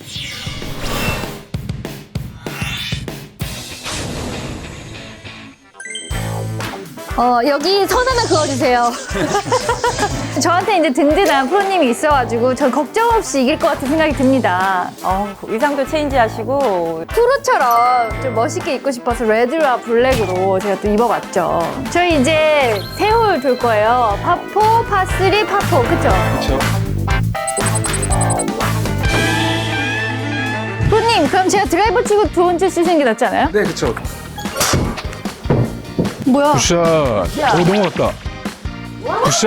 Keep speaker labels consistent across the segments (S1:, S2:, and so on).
S1: 여기 선 하나 그어주세요. 저한테 이제 든든한 프로님이 있어가지고 전 걱정 없이 이길 것 같은 생각이 듭니다.
S2: 의상도 체인지하시고
S1: 프로처럼 좀 멋있게 입고 싶어서 레드와 블랙으로 제가 또 입어봤죠. 저희 이제 세 홀 돌 거예요. 파4, 파3, 파4. 그쵸?
S3: 그렇죠.
S1: 프로님, 그럼 제가 드라이버 치고 드론 쓰시는 게 낫지 않아요?
S3: 네, 그렇죠.
S1: 뭐야?
S3: 굿샷. 오, 넘어갔다. 굿샷.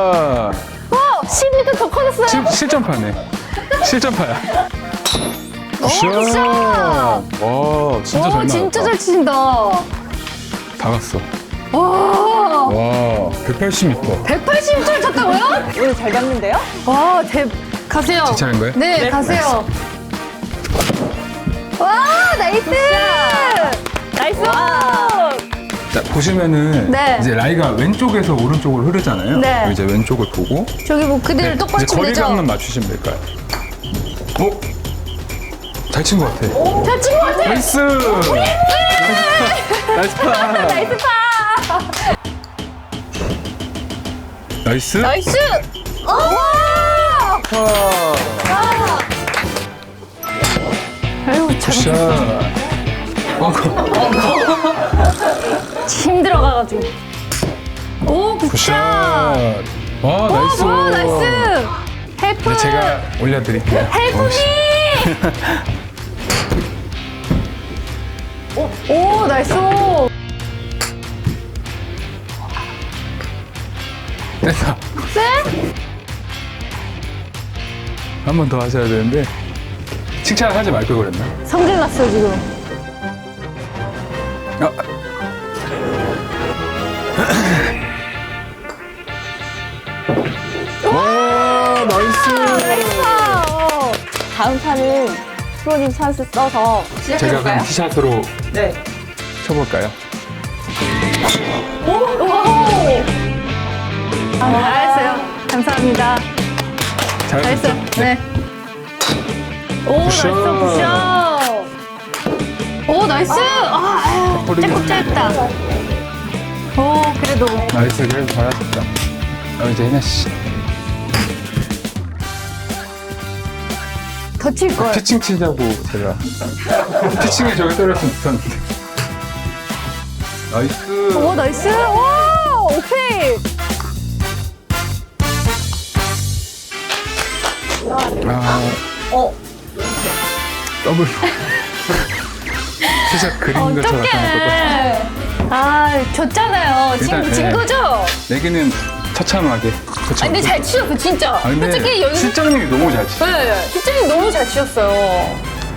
S1: 10m 더 커졌어요.
S3: 실점파네. 실점파야. 굿샷.
S1: 굿샷.
S3: 와, 진짜 잘 나왔다.
S1: 진짜 잘 치신다.
S3: 다 갔어.
S1: 와,
S3: 와, 180m.
S1: 180m 쳤다고요?
S2: 오늘 잘 봤는데요?
S1: 와, 가세요.
S3: 제 차례인 거예요?
S1: 네, 가세요. 와, 나이스! 나이스!
S3: 자, 보시면은
S1: 네.
S3: 이제 라이가 왼쪽에서 오른쪽으로 흐르잖아요.
S1: 네.
S3: 이제 왼쪽을 보고
S1: 저기 뭐 그대로 똑바로
S3: 이제
S1: 치면 되죠?
S3: 거리감만 맞추시면 될까요? 오! 잘 친 것 같아.
S1: 잘 친 것 같아!
S3: 나이스! 나이스 파!
S1: 나이스 파!
S3: 나이스!
S1: 나이스! 와! 아유,
S3: 굿샷!
S1: 힘 들어가가지고. 오, 굿샷!
S3: 굿샷! 와, 나이스!
S1: 와, 나이스! 헬프!
S3: 네, 제가 올려드릴게요.
S1: 헬프님! 오, 나이스!
S3: 됐다.
S1: 네?
S3: 한 번 더 하셔야 되는데 칭찬하지 말 걸 그랬나?
S1: 성질 났어, 지금.
S3: 아. 와, 나이스!
S2: 다음 판은 프로님 찬스 써서
S3: 제가 그럼 티샷으로
S2: 네.
S3: 쳐볼까요?
S1: 잘했어요. 감사합니다.
S3: 잘했어요.
S1: 잘했어요. 네. 오, 나이스, 굿샷. 오, 나이스. 조금 짧다. 오, 그래도.
S3: 나이스, 그래도 잘하셨다. 이제 혜나 씨.
S1: 더 칠 걸.
S3: 피칭 치자고 제가. 피칭에 저기 떨어졌으면 좋겠는데. 나이스.
S1: 오, 나이스. 오, 오케이.
S3: 더블. 티샷 그린 것처럼 나타났거든.
S1: 졌잖아요.
S3: 일단,
S1: 진
S3: 네.
S1: 거죠?
S3: 내기는 처참하게.
S1: 근데 잘 치셨어, 진짜.
S3: 근데
S1: 솔직히 연습.
S3: 실장님이 너무 잘 치죠.
S1: 네, 실장님 너무 잘 치셨어요.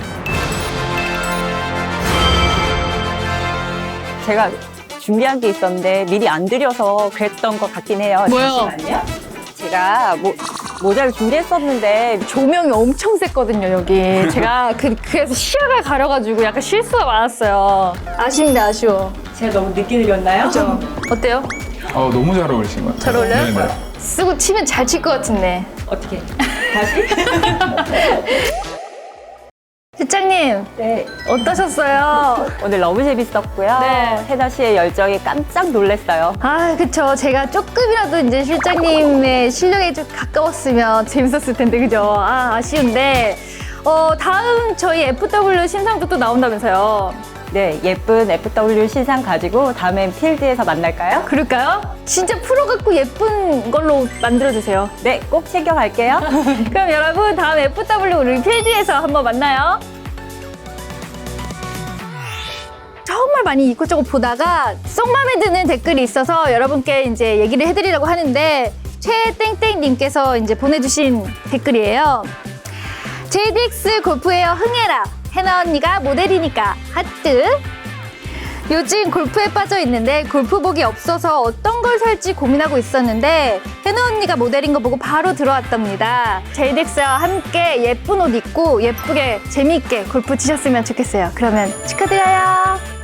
S2: 제가 준비한 게 있었는데 미리 안 드려서 그랬던 것 같긴 해요.
S1: 뭐요?
S2: 잠시만요. 제가 모자를 준비했었는데
S1: 조명이 엄청 셌거든요, 여기. 제가 그래서 시야가 가려가지고 약간 실수가 많았어요. 아쉽네, 아쉬워.
S2: 제가 너무 늦게 드렸나요?
S1: 그죠? 어때요?
S3: 너무 잘 어울리신 것 같아요.
S1: 잘 어울려요?
S3: 네네.
S1: 쓰고 치면 잘 칠 것 같은데.
S2: 어떻게? 다시?
S1: 실장님,
S2: 네.
S1: 어떠셨어요?
S2: 오늘 너무 재밌었고요.
S1: 네.
S2: 혜나 씨의 열정에 깜짝 놀랐어요.
S1: 그쵸. 제가 조금이라도 이제 실장님의 실력에 좀 가까웠으면 재밌었을 텐데, 그죠? 아쉬운데. 다음 저희 FW 신상도 또 나온다면서요?
S2: 네, 예쁜 FW 신상 가지고 다음엔 필드에서 만날까요?
S1: 그럴까요? 진짜 프로 같고 예쁜 걸로 만들어주세요.
S2: 네, 꼭 챙겨갈게요.
S1: 그럼 여러분, 다음 FW 우리 필드에서 한번 만나요. 정말 많이 이것저것 보다가 쏙 마음에 드는 댓글이 있어서 여러분께 이제 얘기를 해드리려고 하는데, 최땡땡님께서 이제 보내주신 댓글이에요. JDX 골프웨어 흥해라. 혜나 언니가 모델이니까 하트. 요즘 골프에 빠져 있는데 골프복이 없어서 어떤 걸 살지 고민하고 있었는데 혜나 언니가 모델인 거 보고 바로 들어왔답니다. JDX와 함께 예쁜 옷 입고 예쁘게 재미있게 골프 치셨으면 좋겠어요. 그러면 축하드려요.